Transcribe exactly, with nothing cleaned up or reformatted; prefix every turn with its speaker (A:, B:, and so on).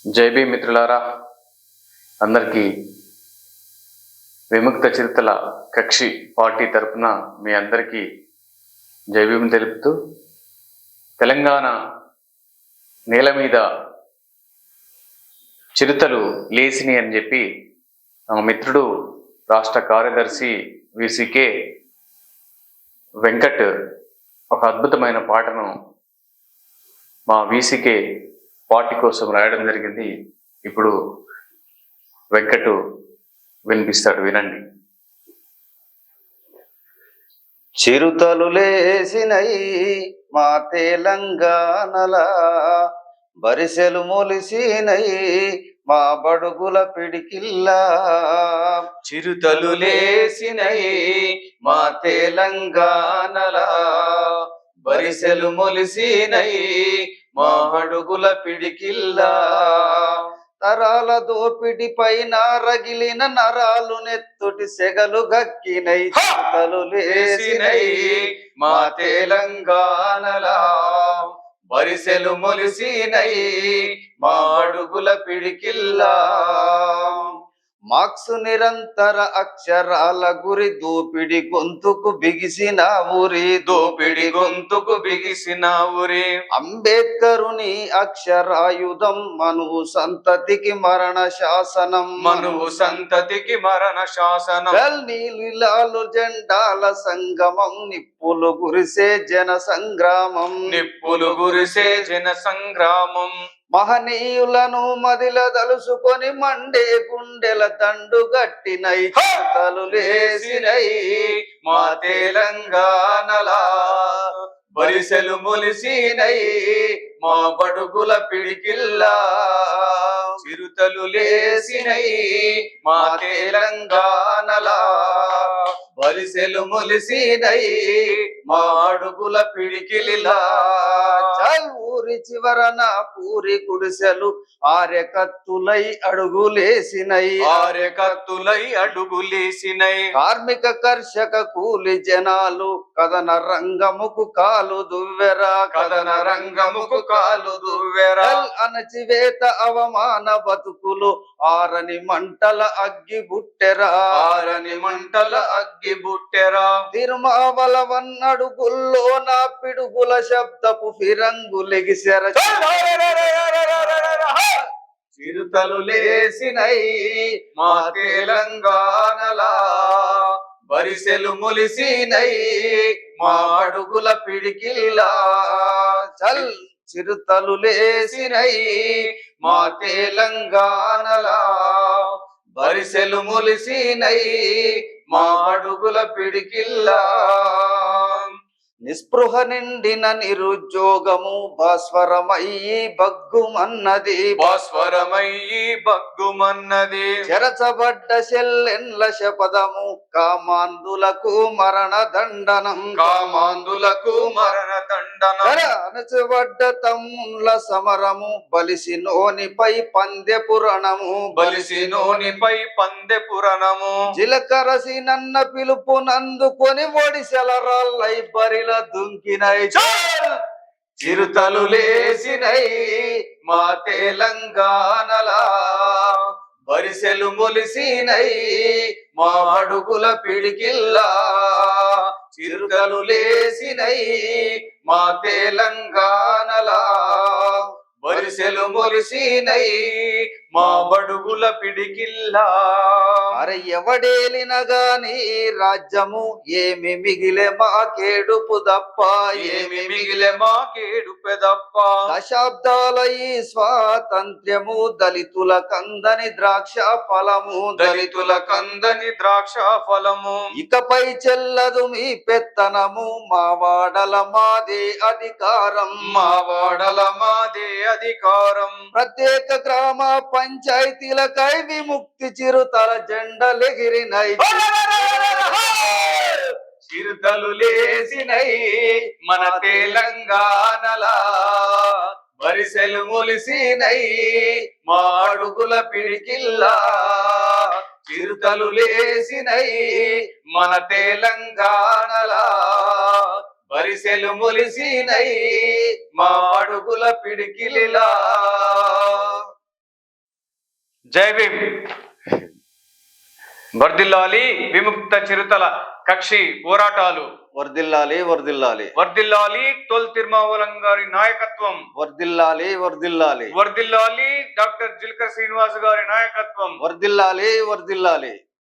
A: జై భీమ్ మిత్రులారా, అందరికీ విముక్త చిరుతల కక్షి పార్టీ తరపున మీ అందరికీ జై భీమ్ తెలుపుతూ, తెలంగాణ నేల మీద చిరుతలు లేసిని అని చెప్పి మా మిత్రుడు రాష్ట్ర కార్యదర్శి విసికే వెంకట్ ఒక అద్భుతమైన పాటను మా విసికే పార్టీ కోసం రాయడం జరిగింది. ఇప్పుడు వెంకట్ వినిపిస్తాడు, వినండి.
B: చిరుతలు లేసినై మా తెలంగాణలా, బరిసెలు మొలిసినై మా బడుగుల పిడికిల్లా. చిరుతలు లేసినై మా తెలంగాణలా, బరిసెలు మొలిసినై మా అడుగుల పిడికిల్లా. తరాల దోపిడి పైన రగిలిన నరాలు నెత్తుటి సెగలు గక్కినై, చిరుతలు లేసినై మా తెలంగాణలా, బరిసెలు మొలిసినై మా అడుగుల పిడికిల్లా. మార్క్స్ నిరంతర అక్షరాల గురి, దోపిడి గొంతుకు బిగిసిన ఊరి, దోపిడి గొంతుకు బిగిసిన ఊరి. అంబేద్కరుని అక్షరాయుధం మనువు సంతతికి మరణ శాసనం, మనువు సంతతికి మరణ శాసనం. నీలిలాలు జెండాల సంగమం, నిప్పులు గురిసే జన సంగ్రామం, నిప్పులు గురిసే జన సంగ్రామం. మహనీయులను మదిల దలుసుకొని మండే గుండెల దండు గట్టినై, చిరుతలు లేసినై మా తెలంగాణలా, బరిసెలు మొలిసినై మా బడుగుల పిడికిల్లా. చిరుతలు లేసినై మా తెలంగాణలా, బరిసెలు మొలిసినై మా అడుగుల పిడికిల్లా. ఊరి చివరన పూరి గుడిసెలు ఆర్యకత్తులై అడుగులేసినై, ఆర్యకత్తులై అడుగులేసినై. కార్మిక కర్షక కూలి జనాలు కథన రంగముకు కాలు దువ్వెరా, కథన రంగముకు కాలు దువ్వెరా. అణచివేత అవమాన బతుకులు ఆరని మంటల అగ్గి బుట్టెరా, ఆరని మంటల అగ్గి బుట్టెరా. తిరుమావల వన్నడుగుల్లో నా పిడుగుల శబ్దపు ఫిరంగులెగిసెర. చిరుతలు లేసినై మా తెలంగాణలా, బరిసెలు మొలిసినై మా అడుగుల పిడికిల్లా. చల్ చిరుతలు లేసినై మా తెలంగాణలా, బరిసెలు మొలిసినై మా అడుగుల పిడికిల్లా. నిస్పృహ నిండిన నిరుద్యోగము భాస్వరమయ్యి బగ్గుమన్నది, భాస్వరమయ్యి బగ్గుమన్నది. చెరచబడ్డ సెల్లెన్ల శపథము కామాంధులకు మరణ దండనం, కామాంధులకు మరణ దండనం. అణచబడ్డ తమ్ముల సమరము బలిసి నోనిపై పందె పురణము, బలిసి నోనిపై పందె పురణము. జిలకరసి నన్న పిలుపు నందుకొని ఒడిసెల రాళ్ళై బరిల దుంకినై. చిరుతలు లేసినై మా తెలంగాణలా, బరిసెలు మొలిసినై మా అడుగుల పిడికిల్లా. చిరుతలు లేసినై మా తెలంగాణలా, బరిసెలు మొలిసినై మా బడుగుల పిడికిల్లా. అరే ఎవడేలిన గాని రాజ్యము ఏమి మిగిలే మా కేడుపు దప్ప, ఏమి మిగిలే మా కేడుపు దప్ప. దశాబ్దాల ఈ స్వాతంత్ర్యము దళితుల కందని ద్రాక్ష ఫలము, దళితుల కందని ద్రాక్ష ఫలము. ఇకపై చెల్లదు మీ పెత్తనము, మా వాడల మాదే అధికారం, మా వాడల మాదే అధికారం. ప్రత్యేక గ్రామ పంచాయతీలకై విముక్తి చిరుతల జెండలెగిరినై. చిరుతలు లేసినై మన తెలంగాణలా, బరిసెలు మొలిసినై మా అడుగుల పిడికిల్లా. చిరుతలు లేసినై మన తెలంగాణలా, బరిసెలు మొలిసినై మా అడుగుల పిడికిలిలా.
A: జై భీమ్. వర్ధిల్లాలి విముక్త చిరుతల కక్షి పోరాటాలు.
B: వర్దిల్లాలి వర్దిల్లాలి
A: వర్ధిల్లాలి తొల్ తిరుమావలం గారి నాయకత్వం.
B: వర్దిల్లాలి వర్దిల్లాలి
A: వర్ధిల్లాలి డాక్టర్ జిల్కర్ శ్రీనివాస్ గారి నాయకత్వం.
B: వర్దిల్లాలి వర్దిల్లాలి